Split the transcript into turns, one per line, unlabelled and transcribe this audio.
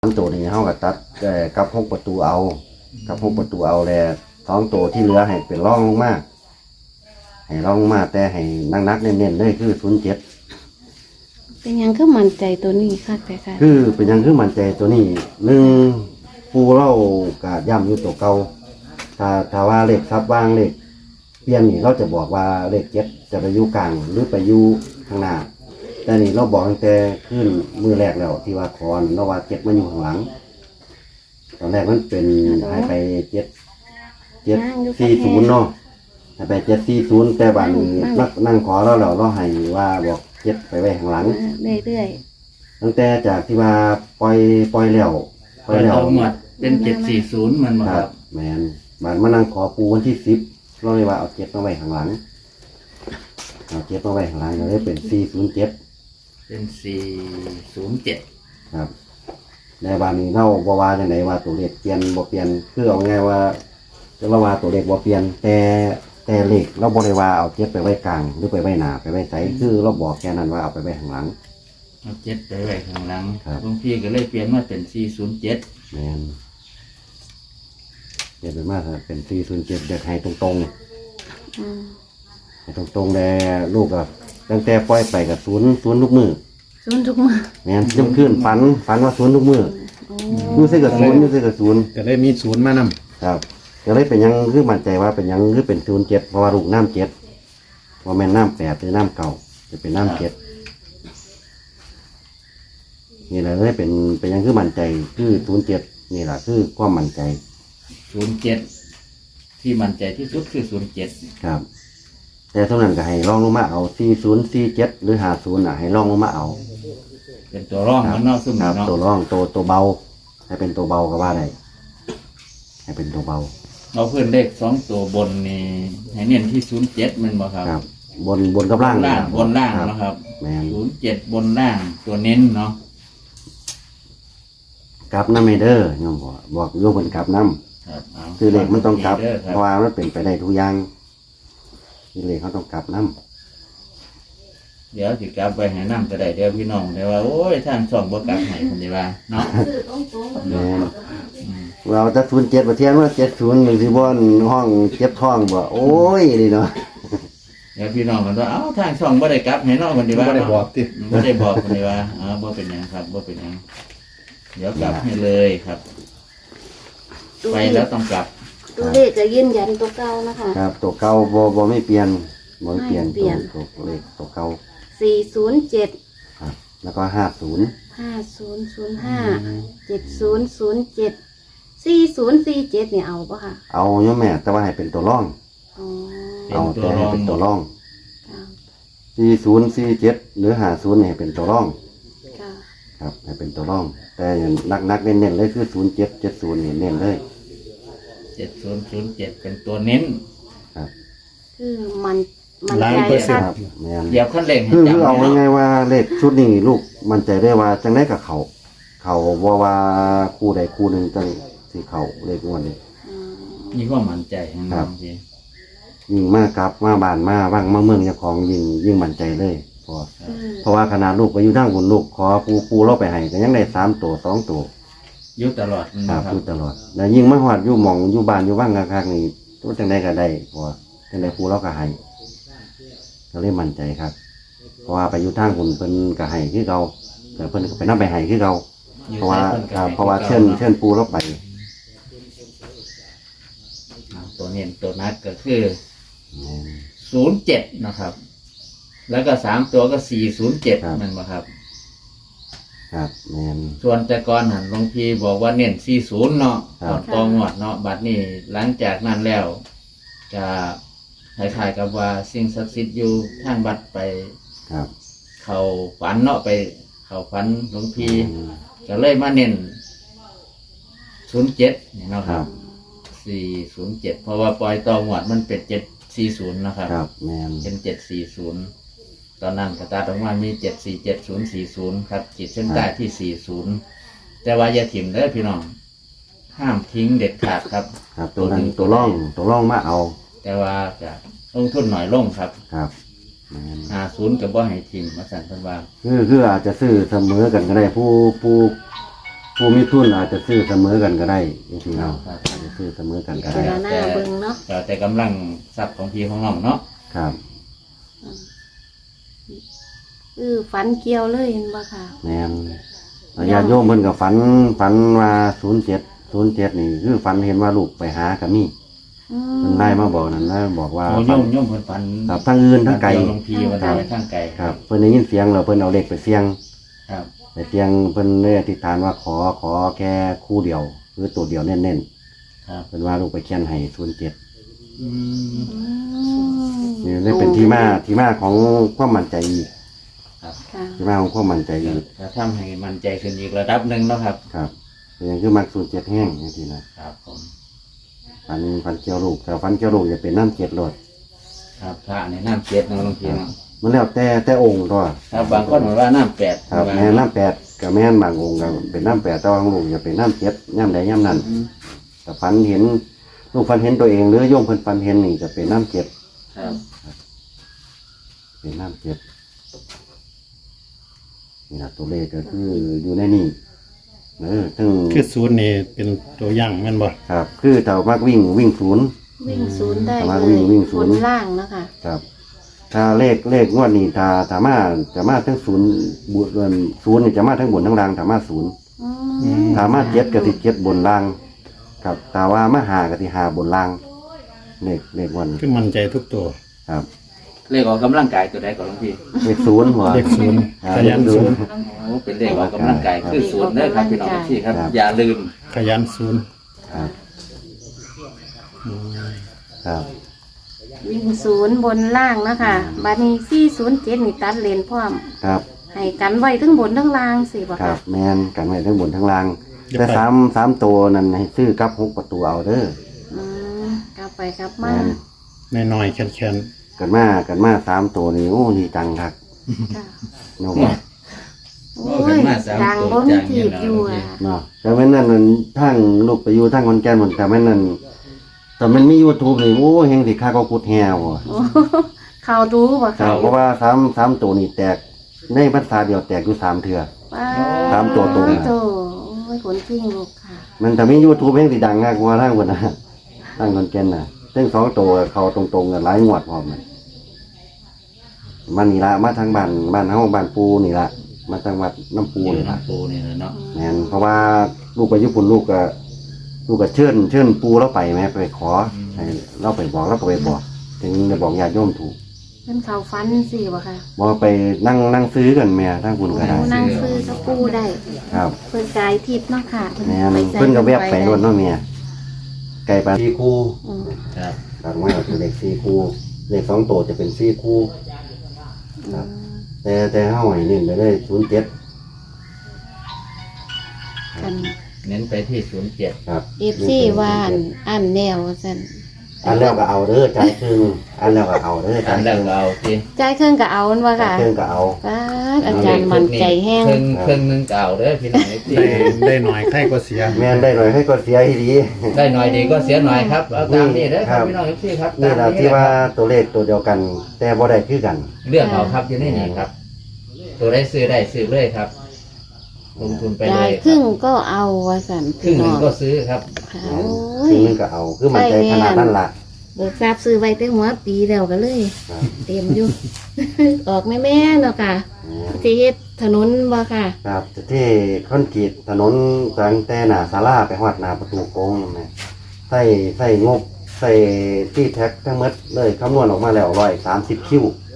ตัวนี้เขาก็ตัดกับหกประตูเอากับหกประตูเอาแล้ว2ตัวที่เหลือให้เป็นร่องลงมาให้ร่องลงมาแต่ให้นักๆเน้นๆเลยคือ07
เป็นหยังคือมั่นใจตัวนี้ค่ะแต่ค่ะ
คือเป็นหยังคือมั่นใจตัวนี้ปูเราก็ย่ำอยู่ตัวเก่าถ้าว่าเลขซับวางเลขเปลี่ยนนี่เราจะบอกว่าเลข7จะไปอยู่กลางหรือไปอยู่ข้างหน้าแต่นี่เราบอกตั้งแต่ขึ้นมือแรกแล้วที่ว่าคอนเราว่า7มันอยู่ข้างหลังตอนแรกมันเป็นหายไป740เนาะหายไป740แต่บัดนี้นั่งขอเราให้ว่าบอก7ไปไว้ข้างหลัง
เรื่อย
ตั้งแต่จากที่ว่าปล่อยแล้ว
หมดเป็น740มันหมดครับ
แมนบานมานั่งขอปูวันที่10เราเลยว่าเอา7มาไว้ข้างหลังเอา7มาไว้ข้างหลังเลยเป็น407
เป็น407
ครับในบานนี้เราบ่ว่าจังไดว่าตัวเลขเปลี่ยนบ่เปลี่ยนคือเอาง่ายว่าเราว่าตัวเลขบ่เปลี่ยนแต่เลขเราบ่ได้ว่าเอา7ไปไว้กลางหรือไปไว้หน้าไปไว้ไสคือเราบอกแค่นั้นว่าเอาไปไว้ข้างหลัง
เอา7ไปไว้ข้างหลัง
ครับ
หลวงพี่ก็เลยเปลี่ยนมาเป็น407
แมนเปลี่ยนเป็นมากเป็น407เด็กให้ตรงให้ตรงแต่ลูกกับตั้งแต่ปล่อยไปกับศูนย์ทุกมือ
ศูนย์ทุกมื้อ
แม่นย่ำขึ้นฝันว่าศูนย์ทุกมืออยู่ใส่กับศูนย์
ก็ได้มีศูนย์มานำ
ครับก็เลยเป็นยังคือมั่นใจว่าเป็นยังคือเป็น07เพราะว่าลูกน้ำ7ว่าแม่นน้ำ8หรือน้ำเก่าจะเป็นน้ำ7นี่แหละเลยเป็นยังคือมั่นใจคือ07นี่แหละคือความมั่นใจ
07ที่มั่นใจที่สุดคือ07
ครับแต่เท่านั้นก็ให้ลองลงมาเอา4047หรือ50ให้ลองลงมาเอา
เป็นตัวร่องมันเนาะซึ่ง
ครับ
เนาะ
ตัวร่องตัวเบาให้เป็นตัวเบาก็ว่าได้ให้เป็นตัวเบา
เราเพิ่นเลข2ตัวบนนี่ให้เน้นที่07มันบ่ครับ
ครับบนกับล่าง
บนล่างนะครับ
แม่น
07บนล่างตัวเน้นเนาะ
กลับน้ำเมเดอร์โยมบอกโยมเพิ่นกลับน้ำ
ครับเอา
คือเลขมันต้องกลับ
ด้ค
เพราะว่ามันเป็นไปได้ทุกอย่างคือเลขเขาต้องกลับน้ำ
เดี๋ยวสิกลับไปให้นำก็ได้เดี๋ยวพี่น้องได้ว่าโอ้ยทางช่องบ่กลับให้เพิ่นได้ว่าเนาะ
แม่นเราจะ07ประเทียนว่า70อย่างที่บ่อนห้องเจ็บท้องบ่โอ้ยนี่เนาะ
เดี๋ยวพี่น้องกันว่าเอ้าทางช่องบ่ได้กลับให้เนาะเพิ่นได้ว่า
บ่ได้บอกติ
บ่ได้บอกเพิ่นได้ว่าบ่เป็นหยังครับบ่เป็นหยังเดี๋ยวกลับให้เลยครับ ไปแล้วต้องกลับ
ตัวเลขจะยืนยันตัวเก่านะคะ
ครับตัวเก่าบ่ไม่เปลี่ยนบ่เปลี่ยน
ไม่เปลี่ยน
ตัวเลขตัวเก่า
407
ครับแล้วก็50
50057007 4047เนี่ยเอาป่ะค่ะ
เอาโยมแม่แต่ว่าให้เป็นตัวร่อง
อ๋อ
เอาแต่ให้เป็นตัวร่อง
ค่ะ
4047หรือ50ให้เป็นตัวร่อง
ค่ะ
ครับให้เป็นตัวร่อง แต่นักเน้นๆเลยคือ0770นี่เน้นเลย
7007เป็นตัวเน้น
ครับ
คือมัน
ล้าน
ใจ
เปอร์เซ็น
ค่ะ
ต์
ครับแม่น
เดี๋ยวขั้นเร่งให้
คือ
จับ
เอา
ให้เนาะ
ง่ายๆว่าเลขชุดนี้ลูกมั่นใจได้ว่าจังได้กับเขาบ่ว่าคู่ใดคู่หนึงจังสิเขาเลขงวดนี้
อืม
มีความมั่นใจให้
ครั
น้อบ งพี่
ยิ่งมากครับมาบ้านมาว่างมาเมืองเจ้าของยิ่งมั่นใจเลยเพราะว่าขนาดลูกไปอยู่ทางบนลูกขอปูเราไปให้ก็ยังได้3ตัว2ตัว
อยู่ตลอด
ค
นะ
รับ
ครั
อบ ยู่ตลอดแล้วยิ่งมาฮอดอยู่หม่องอยู่บ้านอยู่ว่างคักๆนี่ตัวจังไดก็ได้เพราะว่าจังไดปูเราก็ให้ก็เลยมั่นใจครับเพราะว่าไปอยู่ทางบนเพิ่นก็ให้คือเก่าแต่เพิ่นก็ไปนำไปให้คือเก่า
อยู่
เพราะว่า
ใส่พิ่นก็ให้
เพราะว่าเชิญปูเราไป
ตัวเน้นตัวนัดก็คือ07นะครับ แล้วก็3ตัวก็407มันบ่ครับ
ครับแมน
ส่วนแต่ก่อนหันหลวงพี่บอกว่าเน้น40เนาะ
ครับ
ตองวดเนาะบัดนี้หลังจากนั้นแล้วจะคล้ายๆกับว่าสิ่งศักดิ์สิทธิ์อยู่ทางวัดไป
ครับ
เขาฝันเนาะไปเขาฝันหลวงพี่ก็เลยมาเน้น07นี่เนาะครับ407เพราะว่าปล่อยตองวดมันเป็น740นะครับ
ครับแมน
เป็น740ตอนนั้นกระตาตรงว่ามี74740ครับขีดเส้นใต้ที่40แต่ว่าอย่าถิ่มเด้อพี่น้องห้ามทิ้งเด็ดขาดครับ
ครับตัวนั้นตัวร่องมาเอา
แต่ว่าจะลงทุนหน่อยลงครับ
ครับแมน
50กับบ่ให้ถิ่มมาสั่นเพิ่นว่า
คืออาจจะซื้อเสมอกันก็ได้ผู้ผู้มีทุนอาจจะซื้อเสมอกันก็ได้จริงๆแล้วอาจจะซื้อเสมอกันก็
เว
ได้
ลาหน้าเบิ่งเนาะ
แต่กำลังทรัพย์ของพี่ของน้องเนาะ
ครับ
ฝันเกี่ยวเลยเห็นบ่ค่ะ
แม่นญาติโยมเพิ่นก็ฝันว่า07นี่คือฝันเห็นว่าลูกไปหากับมี
อื
เพิ่นได้มาบอกนั่นแล้วบอกว่า
โอ้
ฝัน
โยมเพิ่นฝัน
ครับทั้งอื่นทั้งไกล
เดียวหลวงพี่วันไหนทั้งไกล
ครับเพิ่นได้ยินเสียงแล้วเพิ่นเอาเลขไปเสี่ยง
ครับ
ไปเสี่ยงเพิ่นได้อธิษฐานว่าขอแค่คู่เดียวคือตัวเดียวเน้น
ครับ
ๆเพิ่นว่าลูกไปเขียนให้07
อืม
นี่ได้เป็นที่มาของความมั่นใจอีก
ครับ
ค่ะ
ที่มาของความมั่นใจอีก
จะทำให้มั่นใจขึ้นอีกระดับหนึ่งแล้วครับ
ครับเป็นอย่างคือมัก07แห้งจังซี่นะครับ
ผม
ฟันเกี่ยวลูกแต่ฟันเกี่ยวลูกจะเป็นน้ำ7รถ
ครับพระในน้ำเจ็ดนะหลวงพี่เนาะ
มันแล้วแต่องค์ตัว
ครับบางคนบอกว่าน้ำแปด
ครับแม่นน้ำ8กับแม่นบางองค์ก็เป็นน้ำ8แต่ว่าของลูกจะเป็นน้ำ7ย่ำใดย่ำนั้น
อืม
แต่ฟันเห็นลูกฟันเห็นตัวเองหรือโยมเพิ่นฟันเห็นนี่จะเป็นน้ำ7
ครับ
เป็นน้ำ7นี่นะตัวเลขก็คืออยู่ในนี่ซึ่ง
คือศูนย์นี่เป็นตัวอย่างแม่นบ่
ครับคือถ้ามักวิ่งศูนย์
วิ่งศูนย์ได้
ประมาณ
เลย
วิ่งศูนย์
บล่างเนาะค่ะ
ครับ ถ้าเลขงวดนี้ถ้าจะมาทั้งศูนย์บุญศูนย์นี่จะมาทั้งบนทั้งล่างถ้ามาศูนย์ ถ้ามา7ก็สิ7บนล่างครับแต่ว่ามาหาก็สิหาบนล่างเลขวัน
คือมั่นใจทุกตัว
ครับ
เลขออกกำลังกายตัวใดก่อนหลวงพี่
เลขศูนย์หัว
เลขศูนย์
ครับ
ขยันศูนย์
โอ้เป็นเลขออกกำลังกายคือศูนย์เด้อครับพี่น้องพี่ครับ อย่าลืม
ขยันศูนย์
ครับครับ
วิ่งศูนย์บนล่างเนาะค่ะบัดนี้407นี่ตัดเลนพร้อม
ครับ
ให้กันไว้ทั้งบนทั้งล่างสิบ่
ครั
ค่ะ
บแมนกันไว้ทั้งบนทั้งล่าง แต่สามตัวนั้นให้ซื้อกับ6ประตูเอาเด้อ
กลับไปกลับ
แม
มาน
น้อยๆแข็ง
กันมา3ตัวนี่โอ้ดีจังครับ
ค่ะ
เนาะ
โอ้ยดังบ่มีทีบอยู่อ่ะ
เนาะแต่แม่นนั่นมันทั้งลูกไปอยู่ทั้งคนแก่นหมดแต่แม่นนั่นแต่มันมี YouTube นี่โอ้เฮงสิค่าก็กุดแฮวบ่
โอ้เขาดูบ่
ครั
ค่ะ
บเพราะว่าสามตัวนี่แตกในภาษาเดียวแตกอยู่3เทื่อ
ว้า
ตามตัวตรง
โตโอ้ยขนกิ้งลูกค่ะ
มันถ้ามี YouTube เฮงสิดังมากกว่าทางพุ่นน่ะทางคนแก่นน่ะซึ่ง2ตัวเขาตรงๆกันหลายงวดพร้อมน่ะมันนี่ละมาทางบ้านเฮาบ้านปูนี่ละมาทางวัดน้ำปู
ปู
นี่ละ
น้ำปูนี่นะเนาะ
แม่นเพราะว่าลูกไปญี่ปุ่นลูกก็เชิญปูเราไปแม่ไปขอให้เราไปบอกเราก็ไปบอกถึงจะบอกญาติโยมถูก
เพิ่นเขาฟันสิบ่ค่ะ
บอกไปนั่งซื้อกันแม่ทางคุณก็ได้
โอ้นั่งซื้อกับปูได้
ครับ
เพิ่นกายทิพย์เนาะค่ะ
แม่น
ใส่
เพิ่นก็แวบไป
ด้
รถเนาะแม่ไก่ปลา4คู่
อืม
ครับ
ตัดไว้เอาคือเลข4คู่เลข2ตัวจะเป็น4คู่ ครับ แต่เฮาให้เน้นไปเลย07
กัน
เน้นไปที่07
ครับ
FC ว่าอันแนวซั่น
อันแล้วก็เอาเด้อจ่ายครึ่งอันแล้วก็เอาเด้อ
อั
จ่าย
น
ค
แรก
รึ่ง
เราที่
จ่ายเครื่องก็เอาอันว่า
จ่าย
ค่ะ
ครึ่งก็เอา
ป้าดอาจารย์มั่นใจแห้ง
เครื่องนึงเก่าเด้อพี่น้องที่
ได้หน่อยใครก็เสีย
แม่นได้หน่อยให้ก็เสียอีหลี
ได้หน่อยดีก็เสียหน่อยครับเอาตามนี้เด้อครับพี่น้องที่ครับ
นี่ล่ะที่ว่าตัวเลขตัวเดียวกัน แต่บ่ได้คือกัน
เลือกเอาครับอยู่ในนี้ครับ ตัวได้ซื้อเลยครับ ลงทุนไปเล
จ่าย
ย
ครึ่งก็เอาว่าซั่น
ครึ่งหนึ่งก็ซื้อครับ
ค่ะ
ค
โอ้ย
รึ่งหนึงก็เอาคือมันใจขนาดนั้นล่ะ
เบิกทราบซื้อไว้แต่หัวปีแล้วก็เลย
ครับ
เต็มอยู่ ออกแม่ๆเนาะค่ะ
แม่น
ที่เฮ็ดถนนบ่ค่ะ
ครับที่คอนกรีตถนนตั้งแต่หน้าศาลาไปฮอดหน้าประตูโค้งนั่นแหละใส่งบใส่ที่แท็กทั้งหมดเลยคำนวณออกมาแล้ว130คิว